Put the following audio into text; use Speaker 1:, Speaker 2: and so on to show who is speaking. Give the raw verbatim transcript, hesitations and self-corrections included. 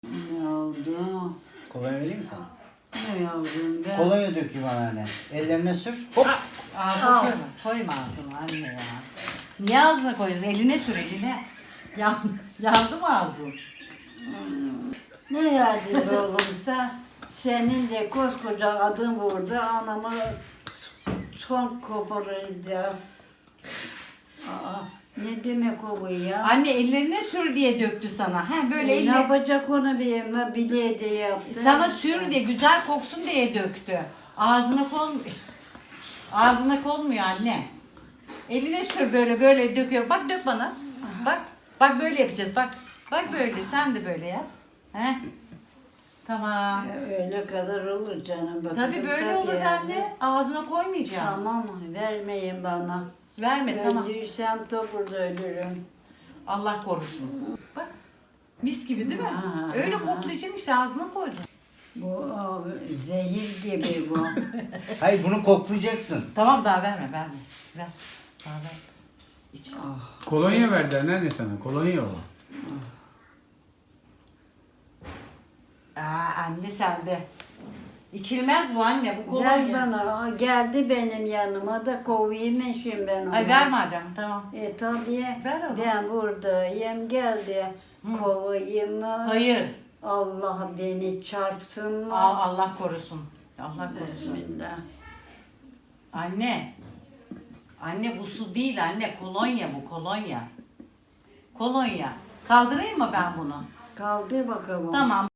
Speaker 1: Ne oldu?
Speaker 2: Kolonya vereyim mi sana?
Speaker 1: Ne yavrum ben?
Speaker 2: Kolonya dökeyim anneanne. Ellerine sür. Hop.
Speaker 3: Ağzına
Speaker 1: Al.
Speaker 3: koyma. Koyma ağzına anne ya. Niye ağzına koyuyorsun? Eline sür eline. Yan, yandı mı ağzın?
Speaker 1: Ne yardım olursa senin de koskoca adın burada anamı son koparınca. Aa, ne demek o bu ya?
Speaker 3: Anne ellerine sür diye döktü sana. He böyle
Speaker 1: E, ne
Speaker 3: elle,
Speaker 1: yapacak onu bir bile de yaptı.
Speaker 3: sana sür diye güzel koksun diye döktü. Ağzına konmuyor. Ağzına konmuyor anne. Eline sür böyle böyle döküyor. Bak dök bana. Bak. Bak böyle yapacağız. Bak. Bak böyle. Sen de böyle yap. He. Tamam.
Speaker 1: Öyle kadar olur canım. Bakın,
Speaker 3: Tabii böyle
Speaker 1: tabii
Speaker 3: olur
Speaker 1: yani.
Speaker 3: anne. Ağzına koymayacağım.
Speaker 1: Tamam vermeyin bana.
Speaker 3: Verme tamam.
Speaker 1: Öldüysem topuda ölürüm.
Speaker 3: Allah korusun. Bak. Mis gibi değil mi?
Speaker 1: Ha,
Speaker 3: Öyle
Speaker 1: ha.
Speaker 3: koklayacaksın işte ağzına koydun.
Speaker 1: Bu o, zehir gibi bu.
Speaker 2: Hayır bunu koklayacaksın.
Speaker 3: Tamam daha verme verme. Ver. Daha ver. İç.
Speaker 4: Kolonya verdi anneanne sana. Kolonya o.
Speaker 3: Aa, anne sende. İçilmez bu anne bu
Speaker 1: Ver
Speaker 3: kolonya.
Speaker 1: bana. Geldi benim yanıma da kovayım şimdi ben onu.
Speaker 3: Ay ver madem tamam.
Speaker 1: E tabii.
Speaker 3: Ver ama.
Speaker 1: Ben buradayım. Geldi. Kovayım mı?
Speaker 3: Hayır.
Speaker 1: Allah beni çarpsın mı?
Speaker 3: Aa, Allah korusun. Allah korusun.
Speaker 1: Bismillah.
Speaker 3: Anne. Anne bu su değil anne kolonya bu kolonya. Kolonya. Kaldırayım mı ben bunu?
Speaker 1: Kaldır bakalım.
Speaker 3: Tamam.